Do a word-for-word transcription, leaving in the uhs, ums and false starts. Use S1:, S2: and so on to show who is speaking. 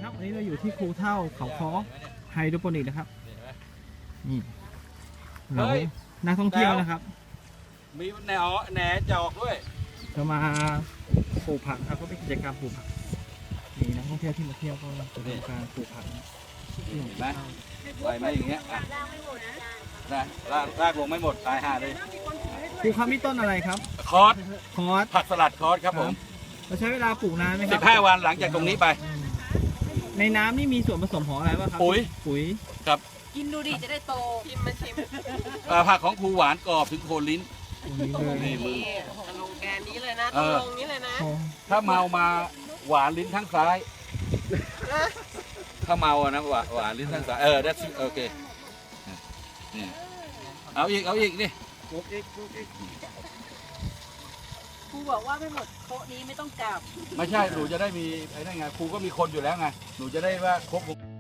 S1: ครับวันนี้เราอยู่ที่ครูเท่าเขาค้อไฮโดรโปนิกนะครับนี่เรานักท่องเที่ยวนะครับ
S2: มีแหนแหนจอกด้วย
S1: จะมาปลูกผักครับก็เป็นกิจกรรมปลูกผักมีนักท่องเที่ยวที่มาเที่ยวก็จะทำการปลูกผักนี่เห็นไหม
S2: ไหวไหมอย่างเงี้ยนะลากลากลงไม่หมดตายห่าเลย
S1: ปลูกครับนี่ต้นอะไรครับ
S2: คอส
S1: คอส
S2: ผักสลัดคอสครับผม
S1: เราใช้เวลาปลูกนานไหมครับ
S2: สิบห้าวันหลังจากตรงนี้ไป
S1: ในน้ำนี่มีส่วนผสมของอะไรบ้างครับ
S2: ปุ๋ย
S1: ปุ๋ย
S2: ครับ
S3: กินดูดิจะได้โตชิมมาชิม
S2: ผักของครูหวานกรอบถึงโคนลิ้น
S3: นี่มือลงแกนนี้เลยนะต้องลงนี้เลยนะ
S2: ถ้าเมามาหวานลิ้นทั้งซ้ายถ้าเมาอะนะหวานหวานลิ้นทั้งซ้ายเออได้โอเคนี่เอาอีกเอาอีกนี่
S3: ครูบอกว่าไม่หมดโต๊ะนี้ไม่ต้องกลับ
S2: ไม่ใช่หนูจะได้มีไอ้นั่นไงครูก็มีคนอยู่แล้วไงหนูจะได้ว่าครบ